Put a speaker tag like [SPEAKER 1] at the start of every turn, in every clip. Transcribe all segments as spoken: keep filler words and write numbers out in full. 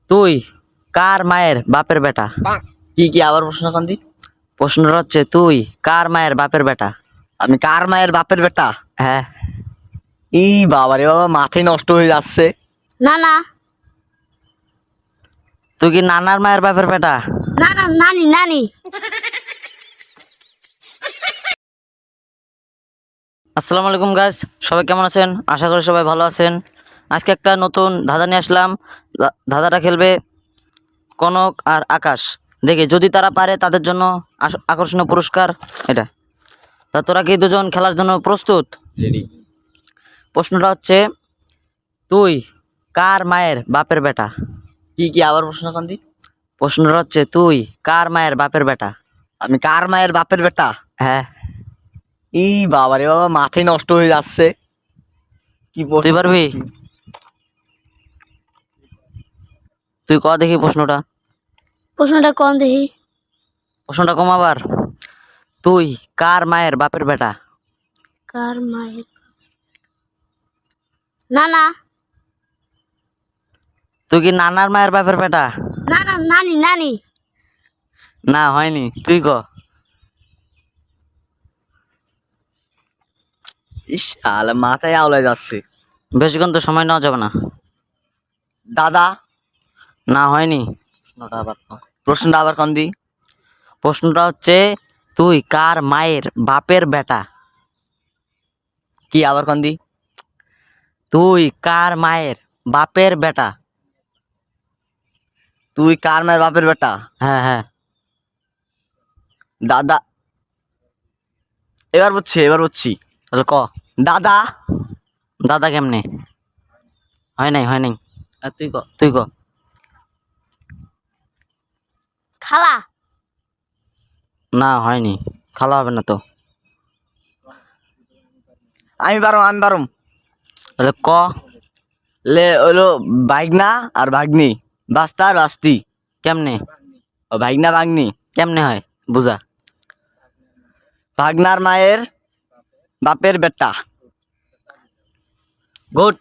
[SPEAKER 1] তুই কার মায়ের বাপের বেটা?
[SPEAKER 2] কি কি আবার প্রশ্ন কান্দি?
[SPEAKER 1] প্রশ্নটা হচ্ছে তুই কার মায়ের বাপের বেটা?
[SPEAKER 2] আমি কার মায়ের বাপের বেটা?
[SPEAKER 1] হ্যাঁ।
[SPEAKER 2] ই বাবা রে বাবা, মাথায় নষ্ট হয়ে যাচ্ছে।
[SPEAKER 3] না না
[SPEAKER 1] তুই কি নানার মায়ের বাপের বেটা?
[SPEAKER 3] না না নানি নানি
[SPEAKER 1] আসসালামু আলাইকুম গাইস, সবাই কেমন আছেন? আশা করি সবাই ভালো আছেন। আজকে একটা নতুন ধাঁধা নিয়ে আসলাম। ধা- ধাঁধাটা খেলবে কনক আর আকাশ। দেখি যদি তারা পারে তাদের জন্য আস- আকর্ষণীয় পুরস্কার এটা। তা তোরা কি দুজন খেলার জন্য প্রস্তুত?
[SPEAKER 2] রেডি।
[SPEAKER 1] প্রশ্নটা হচ্ছে তুই কার মায়ের বাপের বেটা?
[SPEAKER 2] কি কি আবার প্রশ্ন কান্দি?
[SPEAKER 1] প্রশ্নটা হচ্ছে তুই কার মায়ের বাপের বেটা?
[SPEAKER 2] আমি কার মায়ের বাপের বেটা?
[SPEAKER 1] হ্যাঁ।
[SPEAKER 2] ই বাবা রে বাবা, মাথায় নষ্ট হয়ে যাচ্ছে। কি প্রশ্ন?
[SPEAKER 1] তুই পারবি? তুই ক দেখি প্রশ্নটা।
[SPEAKER 3] প্রশ্নটা কম দেখি।
[SPEAKER 1] প্রশ্নটা কম আবার। তুই কার মায়ের বাপের বেটা?
[SPEAKER 3] কার মায়ের না না
[SPEAKER 1] তুই কি নানার মায়ের বাপের বেটা?
[SPEAKER 3] না না নানি নানি
[SPEAKER 1] না, হয়নি। তুই ক।
[SPEAKER 2] ইস আলে মাথায় আওলায় যাচ্ছে।
[SPEAKER 1] বেশিক্ষণ তো সময় নেওয়া যাবে না।
[SPEAKER 2] দাদা।
[SPEAKER 1] না, হয়নি। প্রশ্নটা আবার ক।
[SPEAKER 2] প্রশ্নটা আবার কান্দি।
[SPEAKER 1] প্রশ্নটা হচ্ছে তুই কার মায়ের বাপের বেটা?
[SPEAKER 2] কি আবার কান্দি?
[SPEAKER 1] তুই কার মায়ের বাপের বেটা?
[SPEAKER 2] তুই কার মায়ের বাপের বেটা?
[SPEAKER 1] হ্যাঁ হ্যাঁ।
[SPEAKER 2] দাদা। এবার বুঝছি এবার বুঝছি
[SPEAKER 1] তাহলে ক।
[SPEAKER 2] দাদা।
[SPEAKER 1] দাদা কেমনে? হয় নাই হয় নাই। আর তুই ক তুই ক।
[SPEAKER 3] খালা
[SPEAKER 1] না, হয়নি। খালা হবে না তো।
[SPEAKER 2] আমি পারম আমি পারম
[SPEAKER 1] তাহলে ক।
[SPEAKER 2] লে হলো ভাগনা আর ভাগ্নি, বাস্তা আর বাস্তি।
[SPEAKER 1] কেমনে?
[SPEAKER 2] ও ভাগনা ভাগ্নি।
[SPEAKER 1] কেমনে হয় বুঝা।
[SPEAKER 2] ভাগনার মায়ের বাপের বেটা।
[SPEAKER 1] গুড।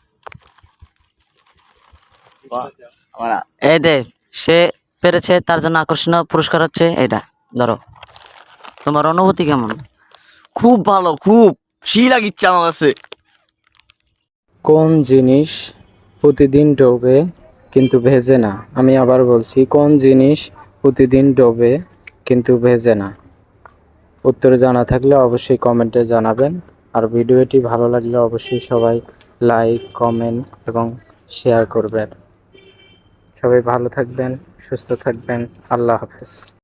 [SPEAKER 1] এই দে, সে পেরেছে, তার জন্য আকর্ষণীয় পুরস্কার হচ্ছে এটা। ধরো। তোমার অনুভূতি কেমন?
[SPEAKER 2] খুব ভালো, খুব সেই লাগিচ্ছে আমার কাছে।
[SPEAKER 4] কোন জিনিস প্রতিদিন ডোবে কিন্তু ভেজে না? আমি আবার বলছি, কোন জিনিস প্রতিদিন ডোবে কিন্তু ভেজে না? উত্তর জানা থাকলে অবশ্যই কমেন্টে জানাবেন। আর ভিডিওটি ভালো লাগলে অবশ্যই সবাই লাইক, কমেন্ট এবং শেয়ার করবেন। সবাই ভালো থাকবেন, সুস্থ থাকবেন। আল্লাহ হাফেজ।